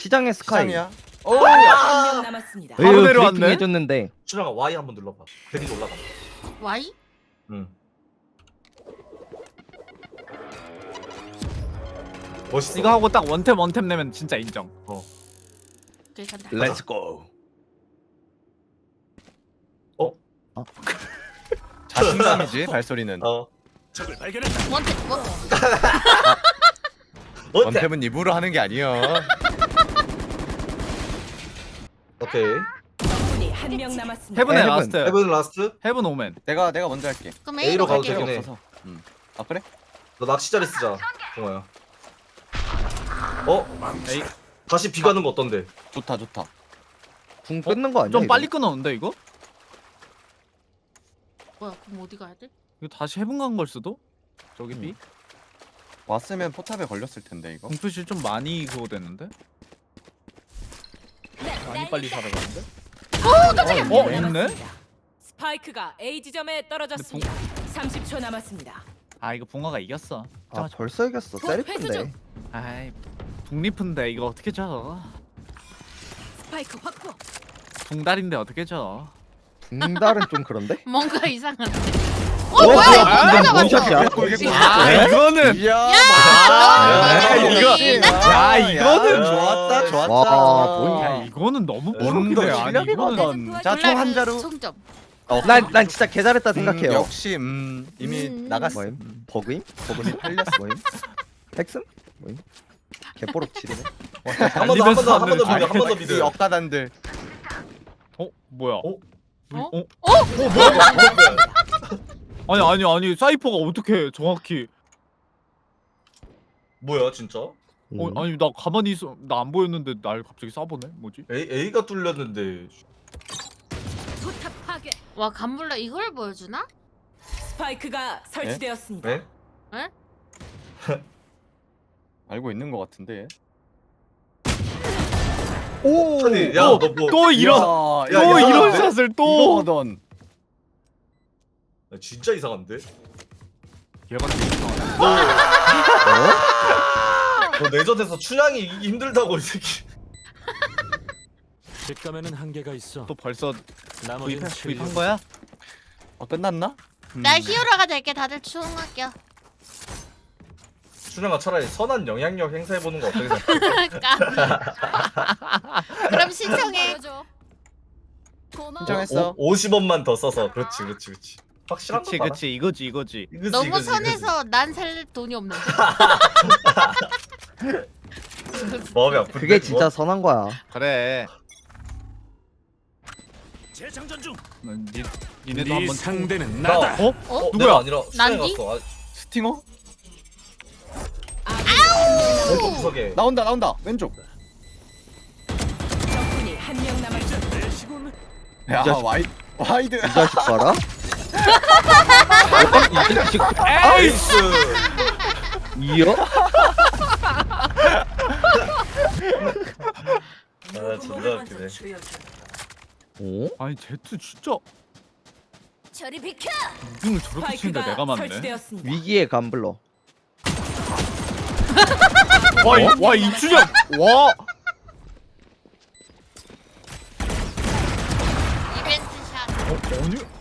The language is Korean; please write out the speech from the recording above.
시장의 스카이. 시장이야. 한명 남았습니다. 바로 에휴, 내려왔네? 브리핑 해줬는데. 준영아 Y 한번 눌러봐. 대리 올라가. Y? 응. 멋있어. 이거 하고 딱 원템 내면 진짜 인정. 오케이 간다. Let's go. 자신감이지 발소리는. 적을 원태 뭐? 원템은 입으로 하는 게 아니야. 오케이. 적군이 한명 남았습니다. 헤븐에 헤븐. 라스트. 헤븐 라스트. 헤븐 오멘. 내가 먼저 할게. 그럼 A로 A로 가도 갈게. 되긴 해. 없어서. 아 그래? 너 낚시 자리 쓰자. 동아야. 에이. 다시 B 가는 거 어떤데? 좋다. 궁 끊는 거 아니야? 좀 이거? 빨리 끊었는데 이거? 뭐야 그럼 어디 가야 돼? 이거 다시 헤븐 간 걸 수도? 저기 B? 왔으면 포탑에 걸렸을 텐데 이거. 공표실 좀 많이 그거 됐는데? 많이 빨리 살아가는데? 어, 있네? 스파이크가 A 지점에 떨어졌습니다. 30초 남았습니다. 아 이거 붕어가 이겼어. 아 벌써 이겼어. 곧 회수 세리프인데. 중. 아이 북리프인데 이거 어떻게 져? 스파이크 확보. 붕달인데 어떻게 져? 붕달은 좀 그런데? 뭔가 이상한데. 뭐야? 뭐야? 뭔 샷이야? 아 이거는 이야. 이거 야 이거는 좋았다. 와, 뭐야. 야 이거는 너무 뭔가 프로기네. 아니 실력이거든. 이거는 자, 총 한 자루. 총점. 난 진짜 개 잘했다 생각해요. 역시 이미 나갔어. 뭐임? 버그임? 버그임 팔렸어. 뭐임? 핵슴? 뭐임? 개뽀록칠이네. 한 번 더 미드. 한 번 더 이 미드. 억가단들. 어 뭐야? 뭐야? 아니 사이퍼가 어떻게 정확히? 뭐야 진짜? 아니 나 가만히 있어 나 안 보였는데 날 갑자기 쏴보네 뭐지? A가 뚫렸는데. 포탑 파괴. 와 간불라 이걸 보여주나? 스파이크가 설치되었습니다. 네? 알고 있는 것 같은데. 오! 아니, 야, 너 뭐? 또 이런 야, 또 야, 이런 야, 샷을 또 이거거든. 야, 진짜 이상한데? 얘가 되게 이상하네. 너 내전에서 춘향이 이기기 힘들다고 이 새끼. 직감에는 한계가 있어. 또 벌써 나머지는 구입한 거야? 끝났나? 나 히어로가 될게 다들 추궁할게요. 춘향아 차라리 선한 영향력 행사해보는 거 어떻게 생각해? 그럼 신청해. 신청했어. 50원만 더 써서. 그렇지. 확실한 거 봐라. 그치 이거지. 이거지, 너무 이거지, 선해서 난 살 돈이 없는데. 이거지. 마음이 아픈데. 그게 진짜 선한 거야. 그래. 재장전 중. 니네도 네 한번 상대는 나. 나다. 어? 어? 누구야? 내가 아니라 춘향이 난디? 갔어. 스팅어? 왼쪽 구석에. 나온다. 왼쪽. 적군이 한명 남았습니다. 내 시군. 야 이 자식. 와이드. 이 자식 봐라. 이 자식. 에이스. 이어? 아 존나 웃기네. 오? 아니 제트 진짜 저리 비켜. 무빙을 저렇게 치는데 스파이크가 내가 맞네. 설치되었습니다. 위기의 감블러. 와 이춘영 와 이벤트 샷. 아니